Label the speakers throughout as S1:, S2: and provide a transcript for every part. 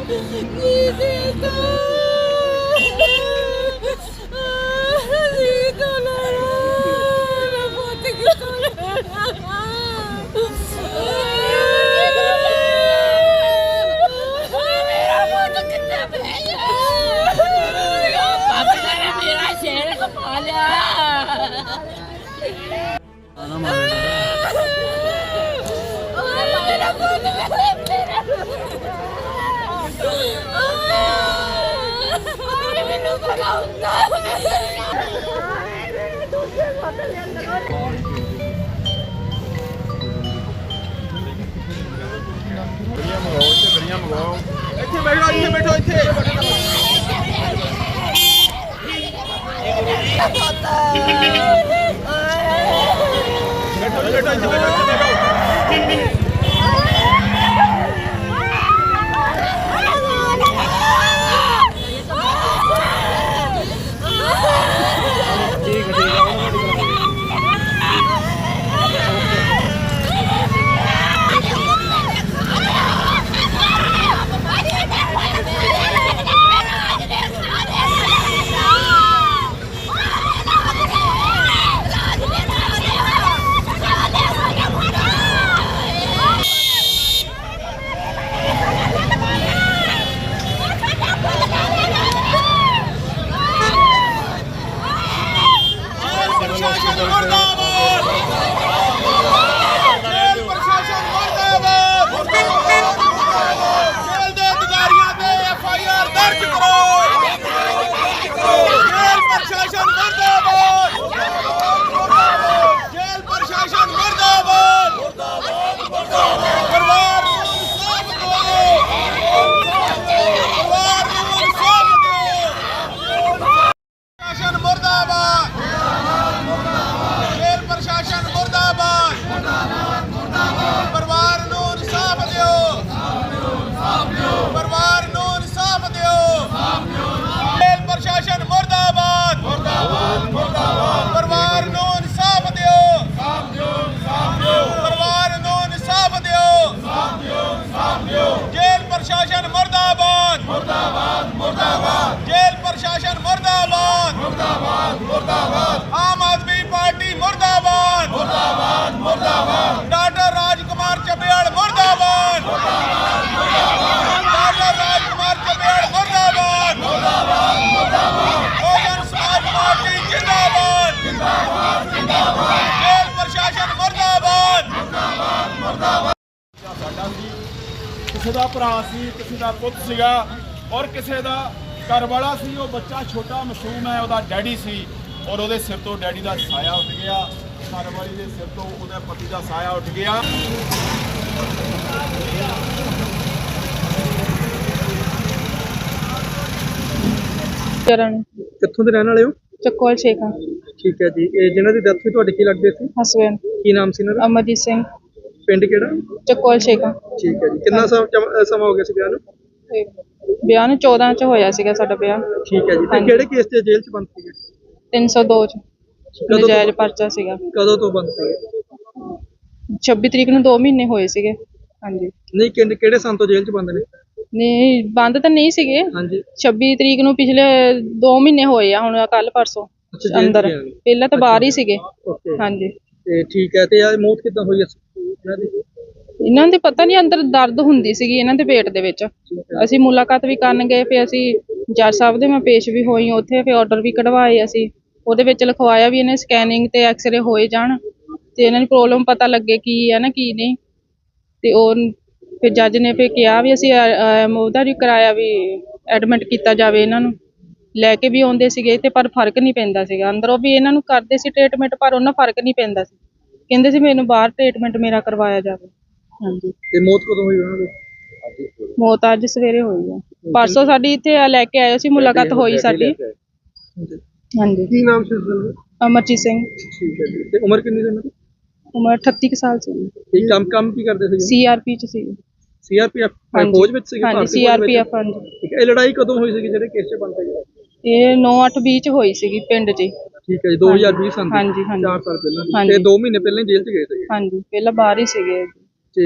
S1: किसी का भरा सी, किसी का पुत सीगा और किसी का घर वाला सी। वो बच्चा छोटा मासूम है, वह डैडी सी और वो सिर तो डैडी का साया उठ गया, घर वाली के सिर तो वो पति का साया उठ गया।
S2: कित्थों दे रहने वाले हो?
S3: चकोल शेखा।
S2: ठीक है जी। जिन्हों की डेथ हुई तुहाडे की लगदे सी?
S3: हसबैंड।
S2: की नाम सी इन्हां दा?
S3: अमरजीत सिंह।
S2: पिंड किहड़ा?
S3: चकोल शेखा।
S2: ठीक है जी। कितना समा हो गया सी ब्याह नूं?
S3: ब्याह नूं 14 च होया सीगा साडा ब्याह।
S2: ठीक है जी। ते किहड़े केस ते जेल च बंद सीगे?
S3: 302 च नजायज परचा सीगा।
S2: कदों तो बंद सीगे?
S3: 26 तरीक नूं 2 महीने होए सीगे। ਹਾਂਜੀ
S2: नहीं किहड़े सन तो जेल च बंद ने?
S3: नहीं बंद ਤਾਂ ਨਹੀਂ ਸੀਗੇ। ਹਾਂਜੀ 26 ਤਰੀਕ ਨੂੰ ਪਿਛਲੇ 2 ਮਹੀਨੇ ਹੋਏ ਆ ਹੁਣ ਕੱਲ ਪਰਸੋਂ ਅੰਦਰ। ਪਹਿਲਾਂ ਤਾਂ ਬਾਹਰ ਹੀ ਸੀਗੇ। ਹਾਂਜੀ
S2: ਤੇ ਠੀਕ ਹੈ। ਤੇ ਇਹ ਮੌਤ ਕਿੱਦਾਂ ਹੋਈ ਇਹਨਾਂ ਦੀ?
S3: ਇਹਨਾਂ ਦੇ ਪਤਾ ਨਹੀਂ ਅੰਦਰ ਦਰਦ ਹੁੰਦੀ ਸੀਗੀ ਇਹਨਾਂ ਦੇ ਪੇਟ ਦੇ ਵਿੱਚ। ਅਸੀਂ ਮੁਲਾਕਾਤ ਵੀ ਕਰਨ ਗਏ, ਫਿਰ ਅਸੀਂ ਜੱਜ ਸਾਹਿਬ ਦੇ ਮੈਂ ਪੇਸ਼ ਵੀ ਹੋਈ ਉੱਥੇ, ਫਿਰ ਆਰਡਰ ਵੀ ਕਢਵਾਏ ਅਸੀਂ। ਉਹਦੇ ਵਿੱਚ ਲਿਖਵਾਇਆ ਵੀ ਇਹਨੇ ਸਕੈਨਿੰਗ ਤੇ ਐਕਸਰੇ ਹੋਏ ਜਾਣ ਤੇ ਇਹਨਾਂ ਦੀ ਪ੍ਰੋਬਲਮ ਪਤਾ ਲੱਗੇ ਕੀ ਹੈ ਨਾ ਕੀ ਨਹੀਂ। ਤੇ ਉਹ ਫਿਰ ਜੱਜ ਨੇ ਫਿਰ ਕਿਹਾ ਵੀ ਅਸੀਂ ਉਹਦਾ ਵੀ ਕਰਾਇਆ ਵੀ ਐਡਮਿਟ ਕੀਤਾ ਜਾਵੇ। ਇਹਨਾਂ ਨੂੰ ਲੈ ਕੇ ਵੀ ਆਉਂਦੇ ਸੀਗੇ ਤੇ ਪਰ ਫਰਕ ਨਹੀਂ ਪੈਂਦਾ ਸੀਗਾ। ਅੰਦਰੋਂ ਵੀ ਇਹਨਾਂ ਨੂੰ ਕਰਦੇ ਸੀ ਟ੍ਰੀਟਮੈਂਟ ਪਰ ਉਹਨਾਂ ਫਰਕ ਨਹੀਂ ਪੈਂਦਾ ਸੀ। ਕਹਿੰਦੇ ਸੀ ਮੈਨੂੰ ਬਾਹਰ ਟ੍ਰੀਟਮੈਂਟ ਮੇਰਾ ਕਰਵਾਇਆ ਜਾਵੇ। ਹਾਂਜੀ
S2: ਤੇ ਮੌਤ ਕਦੋਂ ਹੋਈ ਉਹਨਾਂ ਦੀ?
S3: ਮੌਤ ਅੱਜ ਸਵੇਰੇ ਹੋਈ ਆ। ਪਰਸੋਂ ਸਾਡੀ ਇੱਥੇ ਲੈ ਕੇ ਆਏ ਸੀ, ਮੁਲਾਕਾਤ ਹੋਈ ਸਾਡੀ। ਹਾਂਜੀ
S2: ਕੀ ਨਾਮ ਸੀ ਉਸਦਾ?
S3: ਅਮਰਜੀਤ ਸਿੰਘ।
S2: ਠੀਕ ਹੈ ਜੀ। ਤੇ ਉਮਰ ਕਿੰਨੀ ਸੀ ਉਹਨਾਂ ਦੀ?
S3: ਉਮਰ 38 ਸਾਲ ਸੀ।
S2: ਇਹ ਕੰਮ ਕੀ ਕਰਦੇ ਸੀ?
S3: ਸੀਆਰਪੀ ਚ ਸੀ।
S2: ਸੀਆਰਪੀਐਫ ਫੌਜ ਵਿੱਚ ਸੀ?
S3: ਹਾਂਜੀ ਸੀਆਰਪੀਐਫ। ਹਾਂਜੀ
S2: ਠੀਕ ਹੈ। ਇਹ ਲੜਾਈ ਕਦੋਂ ਹੋਈ ਸੀ ਜਿਹੜੇ ਕੇਸ 'ਚ ਬੰਦ ਹੋਈ?
S3: ਇਹ 9/8/20 ਚ ਹੋਈ ਸੀਗੀ ਪਿੰਡ 'ਚ।
S2: ਠੀਕ ਹੈ ਜੀ। 2020 ਸਾਲ।
S3: ਹਾਂਜੀ
S2: 4 ਸਾਲ ਪਹਿਲਾਂ। ਤੇ 2 ਮਹੀਨੇ ਪਹਿਲਾਂ ਜੇਲ੍ਹ 'ਚ ਗਏ ਸੀ?
S3: ਹਾਂਜੀ ਪਹਿਲਾਂ ਬਾਹਰ ਹੀ ਸੀਗੇ।
S2: ਤੇ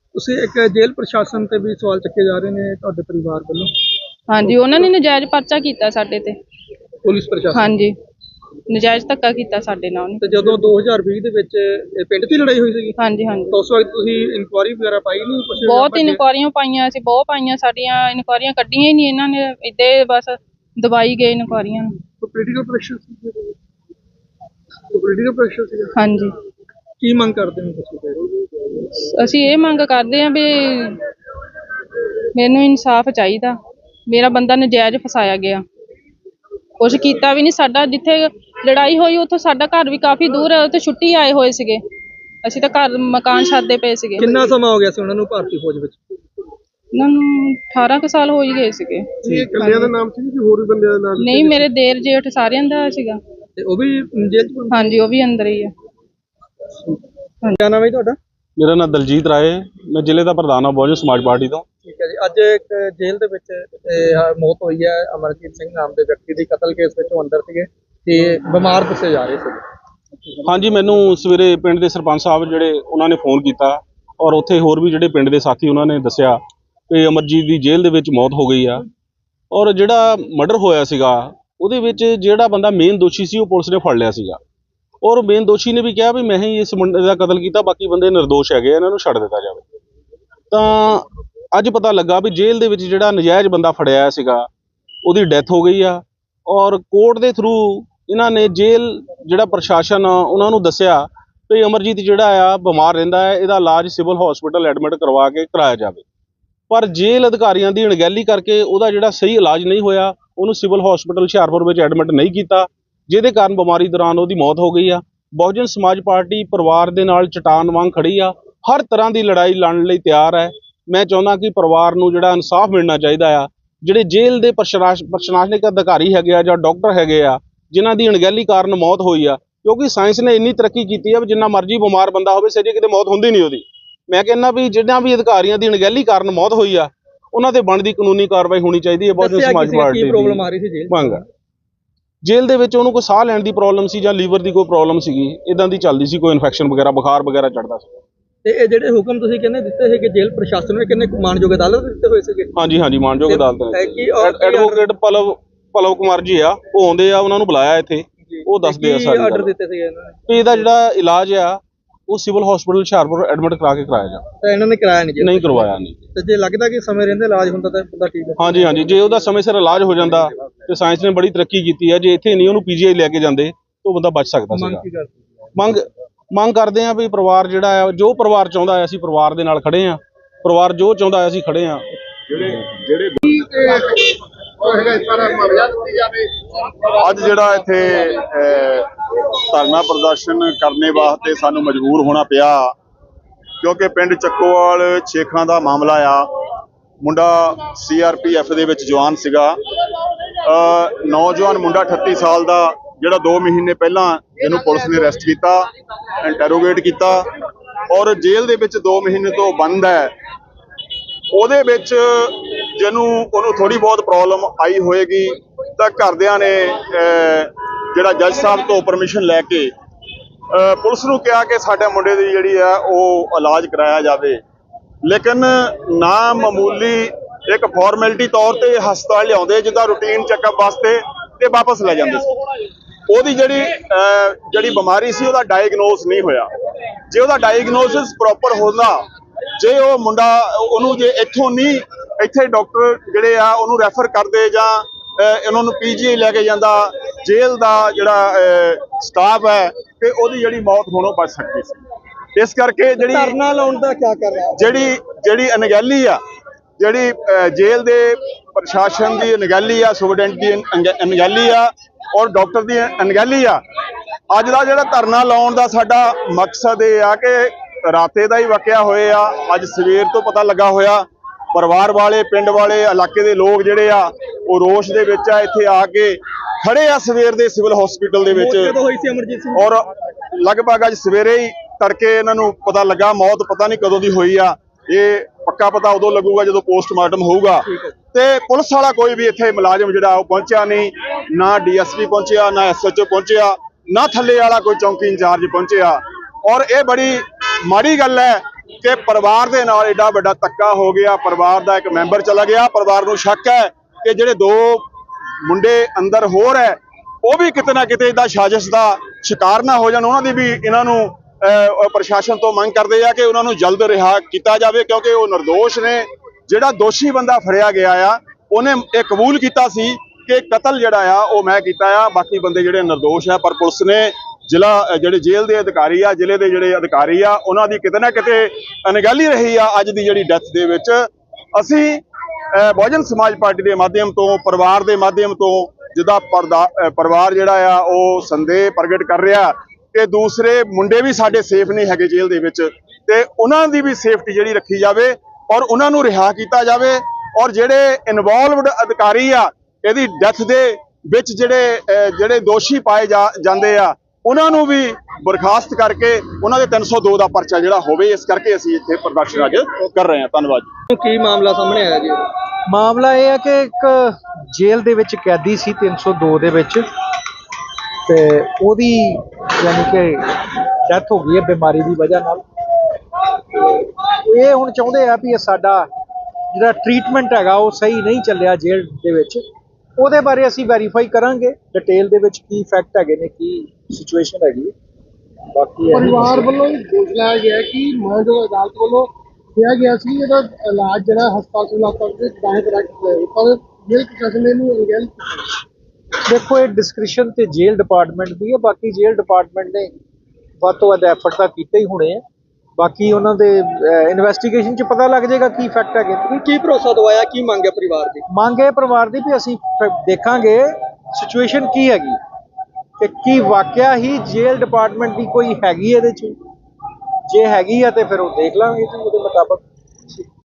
S2: ਤੁਸੀਂ ਇੱਕ ਜੇਲ੍ਹ ਪ੍ਰਸ਼ਾਸਨ ਤੇ ਵੀ ਸਵਾਲ ਚੱਕੇ ਜਾ ਰਹੇ ਨੇ ਤੁਹਾਡੇ ਪਰਿਵਾਰ ਵੱਲੋਂ।
S3: ਹਾਂਜੀ, ਉਹਨਾਂ ਨੇ ਨਜਾਇਜ਼ ਪਰਚਾ ਕੀਤਾ ਸਾਡੇ ਤੇ।
S2: ਪੁਲਿਸ ਪ੍ਰਸ਼ਾਸਨ
S3: ਹਾਂਜੀ, ਨਜਾਇਜ਼ ਧੱਕਾ ਕੀਤਾ ਸਾਡੇ ਨਾਲ ਉਹਨੇ।
S2: ਤੇ ਜਦੋਂ 2020 ਦੇ ਵਿੱਚ ਇਹ ਪਿੰਡ ਦੀ ਲੜਾਈ ਹੋਈ ਸੀਗੀ
S3: ਹਾਂਜੀ ਹਾਂਜੀ,
S2: ਤਾਂ ਉਸ ਵਕਤ ਤੁਸੀਂ ਇਨਕੁਆਇਰੀ ਵਗੈਰਾ ਪਾਈ ਨਹੀਂ ਕੁਝ?
S3: ਬਹੁਤ ਇਨਕੁਆਰੀਆਂ ਪਾਈਆਂ ਅਸੀਂ, ਬਹੁਤ ਪਾਈਆਂ, ਸਾਡੀਆਂ ਇਨਕੁਆਰੀਆਂ ਕੱਢੀਆਂ ਹੀ ਨਹੀਂ ਇਹਨਾਂ ਨੇ, ਇੱਦਾਂ ਬਸ ਦਬਾਈ ਗਏ ਇਨਕੁਆਰੀਆਂ ਨੂੰ।
S2: ਪੋਲੀਟੀਕਲ ਪ੍ਰੈਸ਼ਰ ਸੀ? ਪੋਲੀਟੀਕਲ ਪ੍ਰੈਸ਼ਰ ਸੀ?
S3: ਹਾਂਜੀ,
S2: ਕੀ ਮੰਗ ਕਰਦੇ ਹੋ ਤੁਸੀਂ?
S3: ਅਸੀਂ ਇਹ ਮੰਗ ਕਰਦੇ ਹਾਂ ਵੀ ਮੈਨੂੰ ਇਨਸਾਫ ਚਾਹੀਦਾ, ਮੇਰਾ ਬੰਦਾ ਨਜਾਇਜ਼ ਫਸਾਇਆ ਗਿਆ, ਕੁਛ ਕੀਤਾ ਵੀ ਨਹੀਂ। ਸਾਡਾ ਜਿੱਥੇ ਲੜਾਈ ਹੋਈ ਉੱਥੋਂ ਸਾਡਾ ਘਰ ਵੀ ਕਾਫੀ ਦੂਰ ਹੈ, ਉੱਥੇ ਛੁੱਟੀ ਆਏ ਹੋਏ ਸੀਗੇ, ਅਸੀਂ ਤਾਂ ਘਰ ਮਕਾਨ ਛੱਡਦੇ ਪਏ ਸੀਗੇ।
S2: ਕਿੰਨਾ ਸਮਾਂ ਹੋ ਗਿਆ ਸੀ ਉਹਨਾਂ ਨੂੰ ਭਾਰਤੀ ਫੌਜ ਵਿੱਚ?
S3: ਉਹਨਾਂ ਨੂੰ 18 ਕੁ ਸਾਲ ਹੋ ਹੀ ਗਏ ਸੀਗੇ।
S2: ਇਹ ਇਕੱਲਿਆਂ ਦਾ ਨਾਮ ਸੀ ਕਿ ਹੋਰ ਵੀ ਬੰਦਿਆਂ ਦਾ ਨਾਮ?
S3: ਨਹੀਂ, ਮੇਰੇ ਦੇਰ ਜੇਠ ਸਾਰਿਆਂ ਦਾ ਸੀਗਾ।
S2: ਤੇ ਉਹ ਵੀ ਜੇਲ੍ਹ ਚ?
S3: ਹਾਂਜੀ, ਉਹ ਵੀ ਅੰਦਰ ਹੀ ਆ।
S2: ਕੀ ਨਾਮ ਹੈ ਤੁਹਾਡਾ?
S4: ਮੇਰਾ ਨਾਮ ਦਲਜੀਤ ਰਾਏ, ਮੈਂ ਜ਼ਿਲ੍ਹੇ ਦਾ ਪ੍ਰਧਾਨ ਹਾਂ ਬਹੁਜਨ ਸਮਾਜ ਪਾਰਟੀ ਤੋਂ।
S2: ਠੀਕ ਹੈ ਜੀ, ਅੱਜ ਇੱਕ ਜੇਲ੍ਹ ਦੇ ਵਿੱਚ ਮੌਤ ਹੋਈ ਹੈ ਅਮਰਜੀਤ ਸਿੰਘ ਨਾਮ ਦੇ ਵਿਅਕਤੀ ਦੀ, ਕਤਲ ਕੇਸ ਵਿੱਚ ਉਹ ਅੰਦਰ ਸੀਗੇ ਤੇ ਬਿਮਾਰ ਦੱਸੇ ਜਾ ਰਹੇ ਸੀ।
S4: ਹਾਂਜੀ, ਮੈਨੂੰ ਸਵੇਰੇ ਪਿੰਡ ਦੇ ਸਰਪੰਚ ਸਾਹਿਬ ਜਿਹੜੇ ਉਹਨਾਂ ਨੇ ਫੋਨ ਕੀਤਾ ਔਰ ਉੱਥੇ ਹੋਰ ਵੀ ਜਿਹੜੇ ਪਿੰਡ ਦੇ ਸਾਥੀ ਉਹਨਾਂ ਨੇ ਦੱਸਿਆ ਕਿ ਅਮਰਜੀਤ ਦੀ ਜੇਲ੍ਹ ਦੇ ਵਿੱਚ ਮੌਤ ਹੋ ਗਈ ਆ। ਔਰ ਜਿਹੜਾ ਮਰਡਰ ਹੋਇਆ ਸੀਗਾ ਉਹਦੇ ਵਿੱਚ ਜਿਹੜਾ ਬੰਦਾ ਮੇਨ ਦੋਸ਼ੀ ਸੀ ਉਹ ਪੁਲਿਸ ਨੇ ਫੜ ਲਿਆ ਸੀਗਾ, ਔਰ ਮੇਨ ਦੋਸ਼ੀ ਨੇ ਵੀ ਕਿਹਾ ਵੀ ਮੈਂ ਹੀ ਇਸ ਮੁੰਡੇ ਦਾ ਕਤਲ ਕੀਤਾ, ਬਾਕੀ ਬੰਦੇ ਨਿਰਦੋਸ਼ ਹੈਗੇ, ਇਹਨਾਂ ਨੂੰ ਛੱਡ ਦਿੱਤਾ ਜਾਵੇ। ਤਾਂ ਅੱਜ ਪਤਾ ਲੱਗਾ ਵੀ ਜੇਲ੍ਹ ਦੇ ਵਿੱਚ ਜਿਹੜਾ ਨਜਾਇਜ਼ ਬੰਦਾ ਫੜਿਆ ਸੀਗਾ ਉਹਦੀ ਡੈਥ ਹੋ ਗਈ ਆ, ਔਰ ਕੋਰਟ ਦੇ ਥਰੂ ਇਹਨਾਂ ਨੇ ਜੇਲ੍ਹ ਜਿਹੜਾ ਪ੍ਰਸ਼ਾਸਨ ਉਹਨਾਂ ਨੂੰ ਦੱਸਿਆ ਵੀ ਅਮਰਜੀਤ ਜਿਹੜਾ ਆ ਬਿਮਾਰ ਰਹਿੰਦਾ ਹੈ, ਇਹਦਾ ਇਲਾਜ ਸਿਵਲ ਹਸਪੀਟਲ ਐਡਮਿਟ ਕਰਵਾ ਕੇ ਕਰਾਇਆ ਜਾਵੇ। ਪਰ ਜੇਲ੍ਹ ਅਧਿਕਾਰੀਆਂ ਦੀ ਅਣਗਹਿਲੀ ਕਰਕੇ ਉਹਦਾ ਜਿਹੜਾ ਸਹੀ ਇਲਾਜ ਨਹੀਂ ਹੋਇਆ, ਉਹਨੂੰ ਸਿਵਲ ਹਸਪੀਟਲ ਹੁਸ਼ਿਆਰਪੁਰ ਵਿੱਚ ਐਡਮਿਟ ਨਹੀਂ ਕੀਤਾ, ਜਿਹਦੇ ਕਾਰਨ ਬਿਮਾਰੀ ਦੌਰਾਨ ਉਹਦੀ ਮੌਤ ਹੋ ਗਈ ਆ। ਬਹੁਜਨ ਸਮਾਜ ਪਾਰਟੀ ਪਰਿਵਾਰ ਦੇ ਨਾਲ ਚਟਾਨ ਵਾਂਗ ਖੜੀ ਆ, ਹਰ ਤਰ੍ਹਾਂ ਦੀ ਲੜਾਈ ਲੜਨ ਲਈ ਤਿਆਰ ਹੈ। ਮੈਂ ਚਾਹੁੰਦਾ ਕਿ ਪਰਿਵਾਰ ਨੂੰ ਜਿਹੜਾ ਇਨਸਾਫ ਮਿਲਣਾ ਚਾਹੀਦਾ ਆ। ਜਿਹੜੇ ਜੇਲ੍ਹ ਦੇ ਪ੍ਰਸ਼ਾਸਨਿਕ ਅਧਿਕਾਰੀ ਹੈਗੇ ਆ ਜਾਂ ਡਾਕਟਰ ਹੈਗੇ ਆ ਜਿਨ੍ਹਾਂ ਦੀ ਅਣਗਹਿਲੀ ਕਾਰਨ ਮੌਤ ਹੋਈ ਆ, ਕਿਉਂਕਿ ਸਾਇੰਸ ਨੇ ਇੰਨੀ ਤਰੱਕੀ ਕੀਤੀ ਆ ਵੀ ਜਿੰਨਾ ਮਰਜ਼ੀ ਬਿਮਾਰ ਬੰਦਾ ਹੋਵੇ ਸਜੇ ਕਿਤੇ ਮੌਤ ਹੁੰਦੀ ਨਹੀਂ ਉਹਦੀ। ਮੈਂ ਕਹਿੰਦਾ ਵੀ ਜਿਨ੍ਹਾਂ ਵੀ ਅਧਿਕਾਰੀਆਂ ਦੀ ਅਣਗਹਿਲੀ ਕਾਰਨ ਮੌਤ ਹੋਈ ਆ ਉਹਨਾਂ ਤੇ ਬਣਦੀ ਕਾਨੂੰਨੀ ਕਾਰਵਾਈ ਹੋਣੀ ਚਾਹੀਦੀ ਹੈ। ਬਹੁਜਨ ਸਮਾਜ ਪਾਰਟੀ ਦੀ
S2: ਪ੍ਰੋਬਲਮ ਆ ਰਹੀ ਸੀ ਜੇਲ੍ਹ
S4: ਮੰਗ, ਜੇਲ੍ਹ ਦੇ ਵਿੱਚ ਉਹਨੂੰ ਕੋਈ ਸਾਹ ਲੈਣ ਦੀ ਪ੍ਰੋਬਲਮ ਸੀ ਜਾਂ ਲੀਵਰ ਦੀ ਕੋਈ ਪ੍ਰੋਬਲਮ ਸੀਗੀ, ਇਦਾਂ ਦੀ ਚੱਲਦੀ ਸੀ, ਕੋਈ ਇਨਫੈਕਸ਼ਨ ਵਗੈਰਾ ਬੁਖਾਰ ਵਗੈਰਾ ਚੜਦਾ ਸੀ।
S2: ਤੇ ਇਹ ਜਿਹੜੇ ਹੁਕਮ ਤੁਸੀਂ ਕਹਿੰਦੇ ਦਿੱਤੇ ਸੀ ਕਿ ਜੇਲ੍ਹ ਪ੍ਰਸ਼ਾਸਨ ਨੇ ਕਿੰਨੇ ਮਾਨਯੋਗ ਅਦਾਲਤ ਦਿੱਤੇ ਹੋਏ ਸੀਗੇ?
S4: ਹਾਂਜੀ ਹਾਂਜੀ, ਮਾਨਯੋਗ ਅਦਾਲਤ ਨੇ। ਐਡਵੋਕੇਟ ਪਲਵ ਕੁਮਾਰ ਜੀ ਆ, ਉਹ ਆਉਂਦੇ ਆ, ਉਹਨਾਂ ਨੂੰ ਬੁਲਾਇਆ ਇੱਥੇ, ਉਹ ਦੱਸਦੇ ਆ ਸਾਰੇ
S2: ਆਰਡਰ ਦਿੱਤੇ ਸੀਗੇ ਇਹਨਾਂ ਨੇ
S4: ਵੀ ਇਹਦਾ ਜਿਹੜਾ ਇਲਾਜ ਆ ਉਹ ਸਿਵਲ ਹਸਪੀਟਲ ਹੁਸ਼ਿਆਰਪੁਰ ਐਡਮਿਟ ਕਰਾ ਕੇ ਕਰਾਇਆ ਜਾ।
S2: ਤਾਂ ਇਹਨਾਂ ਨੇ ਕਰਾਇਆ ਨਹੀਂ
S4: ਕਰਵਾਇਆ ਨਹੀਂ।
S2: ਤੇ ਜੇ ਲੱਗਦਾ ਕਿ ਸਮੇਂ ਰਹਿੰਦੇ ਇਲਾਜ ਹੁੰਦਾ ਤਾਂ ਬੰਦਾ ਠੀਕ ਹੈ?
S4: ਹਾਂਜੀ ਹਾਂਜੀ, ਜੇ ਉਹਦਾ ਸਮੇਂ ਸਿਰ ਇਲਾਜ ਹੋ ਜਾਂਦਾ ਤੇ ਸਾਇੰਸ ਨੇ ਬੜੀ ਤਰੱਕੀ ਕੀਤੀ ਹੈ। ਜੇ ਇੱਥੇ ਨਹੀਂ ਉਹਨੂੰ ਪੀਜੀਆਈ ਲੈ ਕੇ ਜਾਂਦੇ ਤਾਂ ਉਹ ਬੰਦਾ ਬਚ ਸਕਦਾ ਸੀਗਾ। ਮੰਗ ਕਰਦੇ ਆ ਵੀ ਪਰਿਵਾਰ ਜਿਹੜਾ ਆ, ਜੋ ਪਰਿਵਾਰ ਚਾਹੁੰਦਾ ਆ, ਅਸੀਂ ਪਰਿਵਾਰ ਦੇ ਨਾਲ ਖੜੇ ਆ, ਪਰਿਵਾਰ ਜੋ ਚਾਹੁੰਦਾ ਅਸੀਂ ਖੜੇ ਆ।
S1: ਅੱਜ ਜਿਹੜਾ ਇੱਥੇ ਧਰਨਾ ਪ੍ਰਦਰਸ਼ਨ ਕਰਨੇ ਵਾਸਤੇ ਸਾਨੂੰ ਮਜਬੂਰ ਹੋਣਾ ਪਿਆ ਕਿਉਂਕਿ ਪਿੰਡ ਚੱਕੋਵਾਲ ਛੇਖਾਂ ਦਾ ਮਾਮਲਾ ਆ। ਮੁੰਡਾ CRPF ਦੇ ਵਿੱਚ ਜਵਾਨ ਸੀਗਾ, ਨੌਜਵਾਨ ਮੁੰਡਾ 38 ਸਾਲ ਦਾ, ਜਿਹੜਾ 2 ਮਹੀਨੇ ਪਹਿਲਾਂ ਇਹਨੂੰ ਪੁਲਿਸ ਨੇ ਅਰੈਸਟ ਕੀਤਾ, ਇੰਟਰੋਗੇਟ ਕੀਤਾ ਔਰ ਜੇਲ੍ਹ ਦੇ ਵਿੱਚ 2 ਮਹੀਨੇ ਤੋਂ ਬੰਦ ਹੈ। ਉਹਦੇ ਵਿੱਚ ਉਹਨੂੰ ਥੋੜੀ ਬਹੁਤ ਪ੍ਰੋਬਲਮ ਆਈ ਹੋਏਗੀ ਤਾਂ ਘਰਦਿਆਂ ਨੇ ਜਿਹੜਾ ਜੱਜ ਸਾਹਿਬ ਤੋਂ ਪਰਮਿਸ਼ਨ ਲੈ ਕੇ ਪੁਲਿਸ ਨੂੰ ਕਿਹਾ ਕਿ ਸਾਡੇ ਮੁੰਡੇ ਦੀ ਜਿਹੜੀ ਆ ਉਹ ਇਲਾਜ ਕਰਾਇਆ ਜਾਵੇ, ਲੇਕਿਨ ਨਾ ਮਾਮੂਲੀ ਇੱਕ ਫਾਰਮੈਲਿਟੀ ਤੌਰ ਤੇ ਹਸਪਤਾਲ ਲਿਆਉਂਦੇ ਜਿੱਦਾਂ ਰੂਟੀਨ ਚੈੱਕਅਪ ਵਾਸਤੇ ਤੇ ਵਾਪਸ ਲੈ ਜਾਂਦੇ ਸੀ। ਉਹਦੀ ਜਿਹੜੀ ਬਿਮਾਰੀ ਸੀ ਉਹਦਾ ਡਾਇਗਨੋਸ ਨਹੀਂ ਹੋਇਆ। ਜੇ ਉਹਦਾ ਡਾਇਗਨੋਸਿਸ ਪ੍ਰੋਪਰ ਹੁੰਦਾ, ਜੇ ਉਹ ਮੁੰਡਾ ਉਹਨੂੰ ਜੇ ਇੱਥੇ ਡਾਕਟਰ ਜਿਹੜੇ ਆ ਉਹਨੂੰ ਰੈਫਰ ਕਰਦੇ ਜਾਂ ਇਹਨਾਂ ਨੂੰ ਪੀਜੀਆਈ ਲੈ ਕੇ ਜਾਂਦਾ, ਜੇਲ੍ਹ ਦਾ ਜਿਹੜਾ ਸਟਾਫ ਹੈ ਤੇ ਉਹਦੀ ਜਿਹੜੀ ਮੌਤ ਹੋਣੋਂ ਬਚ ਸਕਦੀ ਸੀ। ਇਸ ਕਰਕੇ
S2: ਧਰਨਾ ਲਾਉਣ ਦਾ ਕੀ ਕਰ ਰਿਹਾ,
S1: ਜਿਹੜੀ ਅਣਗਹਿਲੀ ਆ, ਜਿਹੜੀ ਜੇਲ੍ਹ ਦੇ ਪ੍ਰਸ਼ਾਸਨ ਦੀ ਅਣਗਹਿਲੀ ਆ, ਸੁਪਰਡੈਂਟ ਦੀ ਅਣਗਹਿਲੀ ਆ ਔਰ ਡਾਕਟਰ ਦੀ ਅਣਗਹਿਲੀ ਆ। ਅੱਜ ਦਾ ਜਿਹੜਾ ਧਰਨਾ ਲਾਉਣ ਦਾ ਸਾਡਾ ਮਕਸਦ ਇਹ ਆ ਕਿ ਰਾਤੇ ਦਾ ਹੀ ਵਾਕਿਆ ਹੋਏ ਆ, ਅੱਜ ਸਵੇਰ ਤੋਂ ਪਤਾ ਲੱਗਾ ਹੋਇਆ। ਪਰਿਵਾਰ ਵਾਲੇ, ਪਿੰਡ ਵਾਲੇ, ਇਲਾਕੇ ਦੇ ਲੋਕ ਜਿਹੜੇ ਆ ਉਹ ਰੋਸ਼ ਦੇ ਵਿੱਚ ਆ, ਇੱਥੇ ਆ ਕੇ ਖੜੇ ਆ ਸਵੇਰ ਦੇ ਸਿਵਲ ਹਸਪੀਟਲ ਦੇ ਵਿੱਚ।
S2: ਹੋਈ ਸੀ ਅਮਰਜੀਤ ਸਿੰਘ
S1: ਔਰ ਲਗਭਗ ਅੱਜ ਸਵੇਰੇ ਹੀ ਤੜਕੇ ਇਹਨਾਂ ਨੂੰ ਪਤਾ ਲੱਗਾ, ਮੌਤ ਪਤਾ ਨਹੀਂ ਕਦੋਂ ਦੀ ਹੋਈ ਆ। ਇਹ ਪੱਕਾ ਪਤਾ ਉਦੋਂ ਲੱਗੂਗਾ ਜਦੋਂ ਪੋਸਟਮਾਰਟਮ ਹੋਊਗਾ। ਤੇ ਪੁਲਿਸ ਵਾਲਾ ਕੋਈ ਵੀ ਇੱਥੇ ਮੁਲਾਜ਼ਮ ਜਿਹੜਾ ਉਹ ਪਹੁੰਚਿਆ ਨਹੀਂ, ਨਾ DSP ਪਹੁੰਚਿਆ, ਨਾ SHO ਪਹੁੰਚਿਆ, ਨਾ ਥੱਲੇ ਵਾਲਾ ਕੋਈ ਚੌਂਕੀ ਇੰਚਾਰਜ ਪਹੁੰਚਿਆ। ਔਰ ਇਹ ਬੜੀ ਮਾੜੀ ਗੱਲ ਹੈ ਕਿ ਪਰਿਵਾਰ ਦੇ ਨਾਲ ਏਡਾ ਵੱਡਾ ਧੱਕਾ ਹੋ ਗਿਆ, ਪਰਿਵਾਰ ਦਾ ਇੱਕ ਮੈਂਬਰ ਚਲਾ ਗਿਆ। ਪਰਿਵਾਰ ਨੂੰ ਸ਼ੱਕ ਹੈ ਕਿ ਜਿਹੜੇ 2 ਮੁੰਡੇ ਅੰਦਰ ਹੋਰ ਹੈ ਉਹ ਵੀ ਕਿਤੇ ਨਾ ਕਿਤੇ ਇਹਦਾ ਸਾਜ਼ਿਸ਼ ਦਾ ਸ਼ਿਕਾਰ ਨਾ ਹੋ ਜਾਣ। ਉਹਨਾਂ ਦੀ ਵੀ ਇਹਨਾਂ ਨੂੰ ਪ੍ਰਸ਼ਾਸਨ ਤੋਂ ਮੰਗ ਕਰਦੇ ਆ ਕਿ ਉਹਨਾਂ ਨੂੰ ਜਲਦ ਰਿਹਾ ਕੀਤਾ ਜਾਵੇ, ਕਿਉਂਕਿ ਉਹ ਨਿਰਦੋਸ਼ ਨੇ। ਜਿਹੜਾ ਦੋਸ਼ੀ ਬੰਦਾ ਫੜਿਆ ਗਿਆ ਆ ਉਹਨੇ ਇਹ ਕਬੂਲ ਕੀਤਾ ਸੀ ਕਿ ਕਤਲ ਜਿਹੜਾ ਆ ਉਹ ਮੈਂ ਕੀਤਾ ਆ, ਬਾਕੀ ਬੰਦੇ ਜਿਹੜੇ ਨਿਰਦੋਸ਼ ਆ। ਪਰ ਪੁਲਿਸ ਨੇ ਜਿਹੜੇ ਜੇਲ੍ਹ ਦੇ ਅਧਿਕਾਰੀ ਆ, ਜ਼ਿਲ੍ਹੇ ਦੇ ਜਿਹੜੇ ਅਧਿਕਾਰੀ ਆ, ਉਹਨਾਂ ਦੀ ਕਿਤੇ ਨਾ ਕਿਤੇ ਅਣਗਹਿਲੀ ਰਹੀ ਆ ਅੱਜ ਦੀ ਜਿਹੜੀ ਡੈਥ ਦੇ ਵਿੱਚ। ਅਸੀਂ ਬਹੁਜਨ ਸਮਾਜ ਪਾਰਟੀ ਦੇ ਮਾਧਿਅਮ ਤੋਂ, ਪਰਿਵਾਰ ਦੇ ਮਾਧਿਅਮ ਤੋਂ, ਜਿਹਦਾ ਪਰਿਵਾਰ ਜਿਹੜਾ ਆ ਉਹ ਸੰਦੇਹ ਪ੍ਰਗਟ ਕਰ ਰਿਹਾ ਕਿ ਦੂਸਰੇ ਮੁੰਡੇ ਵੀ ਸਾਡੇ ਸੇਫ ਨਹੀਂ ਹੈਗੇ ਜੇਲ੍ਹ ਦੇ ਵਿੱਚ, ਤੇ ਉਹਨਾਂ ਦੀ ਵੀ ਸੇਫਟੀ ਜਿਹੜੀ ਰੱਖੀ ਜਾਵੇ ਔਰ ਉਹਨਾਂ ਨੂੰ ਰਿਹਾ ਕੀਤਾ ਜਾਵੇ। ਔਰ ਜਿਹੜੇ ਇਨਵੋਲਵਡ ਅਧਿਕਾਰੀ ਆ ਇਹਦੀ ਡੈਥ ਦੇ ਵਿੱਚ ਜਿਹੜੇ ਦੋਸ਼ੀ ਪਾਏ ਜਾਂਦੇ ਆ ਉਹਨਾਂ ਨੂੰ ਵੀ ਬਰਖਾਸਤ ਕਰਕੇ ਉਹਨਾਂ ਦੇ 302 ਦਾ ਪਰਚਾ ਜਿਹੜਾ ਹੋਵੇ। ਇਸ ਕਰਕੇ ਅਸੀਂ ਇੱਥੇ ਪ੍ਰਦਰਸ਼ਨ ਅੱਜ ਕਰ ਰਹੇ ਹਾਂ। ਧੰਨਵਾਦ।
S2: ਕੀ ਮਾਮਲਾ ਸਾਹਮਣੇ ਆਇਆ ਜੀ?
S5: ਮਾਮਲਾ ਇਹ ਹੈ ਕਿ ਇੱਕ ਜੇਲ੍ਹ ਦੇ ਵਿੱਚ ਕੈਦੀ ਸੀ 302 ਦੇ ਵਿੱਚ, ਤੇ ਉਹਦੀ ਯਾਨੀ ਕਿ ਡੈਥ ਹੋ ਗਈ ਹੈ ਬਿਮਾਰੀ ਦੀ ਵਜ੍ਹਾ ਨਾਲ। ਇਹ ਹੁਣ ਚਾਹੁੰਦੇ ਆ ਵੀ ਇਹ ਸਾਡਾ ਜਿਹੜਾ ਟ੍ਰੀਟਮੈਂਟ ਹੈਗਾ ਉਹ ਸਹੀ ਨਹੀਂ ਚੱਲਿਆ ਜੇਲ੍ਹ ਦੇ ਵਿੱਚ। ਉਹਦੇ ਬਾਰੇ ਅਸੀਂ ਵੈਰੀਫਾਈ ਕਰਾਂਗੇ ਡਿਟੇਲ ਦੇ ਵਿੱਚ ਕੀ ਫੈਕਟ ਹੈਗੇ ਨੇ, ਕੀ ਸਿਚੁਏਸ਼ਨ ਹੈਗੀ। ਬਾਕੀ
S2: ਪਰਿਵਾਰ ਵੱਲੋਂ ਦੋਸ਼ ਲਾਇਆ ਗਿਆ ਕਿ ਮਾਨਯੋਗ ਅਦਾਲਤ ਵੱਲੋਂ ਕਿਹਾ ਗਿਆ ਸੀ ਇਹਦਾ ਇਲਾਜ ਜਿਹੜਾ ਹਸਪਤਾਲ ਸਿਵਲ ਦੇ ਦਾਇਰੇ ਰੱਖਿਆ, ਪਰ ਜੇਲ੍ਹ ਪ੍ਰਸ਼ਾਸਨ ਨੇ ਇਹਨੂੰ ਅਣਗਹਿਲ ਕੀਤਾ।
S5: ਦੇਖੋ ਇਹ ਡਿਸਕ੍ਰਿਸ਼ਨ ਤੇ ਜੇਲ੍ਹ ਡਿਪਾਰਟਮੈਂਟ ਦੀ ਹੈ। ਬਾਕੀ ਜੇਲ੍ਹ ਡਿਪਾਰਟਮੈਂਟ ਨੇ ਵੱਧ ਤੋਂ ਵੱਧ ਐਫਰਟ ਤਾਂ ਕੀਤੇ ਹੀ ਹੋਣੇ ਆ। ਬਾਕੀ ਉਹਨਾਂ ਦੇ ਇਨਵੈਸਟੀਗੇਸ਼ਨ 'ਚ ਪਤਾ ਲੱਗ ਜਾਏਗਾ ਕੀ ਫੈਕਟ ਹੈਗੇ।
S2: ਕੀ ਭਰੋਸਾ ਦਵਾਇਆ, ਕੀ ਮੰਗ ਹੈ ਪਰਿਵਾਰ ਦੀ?
S5: ਮੰਗ ਹੈ ਪਰਿਵਾਰ ਦੀ ਵੀ ਅਸੀਂ ਦੇਖਾਂਗੇ ਸਿਚੁਏਸ਼ਨ ਕੀ ਹੈਗੀ ਤੇ ਕੀ ਵਾਕਿਆ ਹੀ ਜੇਲ੍ਹ ਡਿਪਾਰਟਮੈਂਟ ਦੀ ਕੋਈ ਹੈਗੀ ਇਹਦੇ 'ਚ। ਜੇ ਹੈਗੀ ਆ ਤੇ ਫਿਰ ਉਹ ਦੇਖ ਲਾਂਗੇ ਜੀ ਉਹਦੇ ਮੁਤਾਬਕ।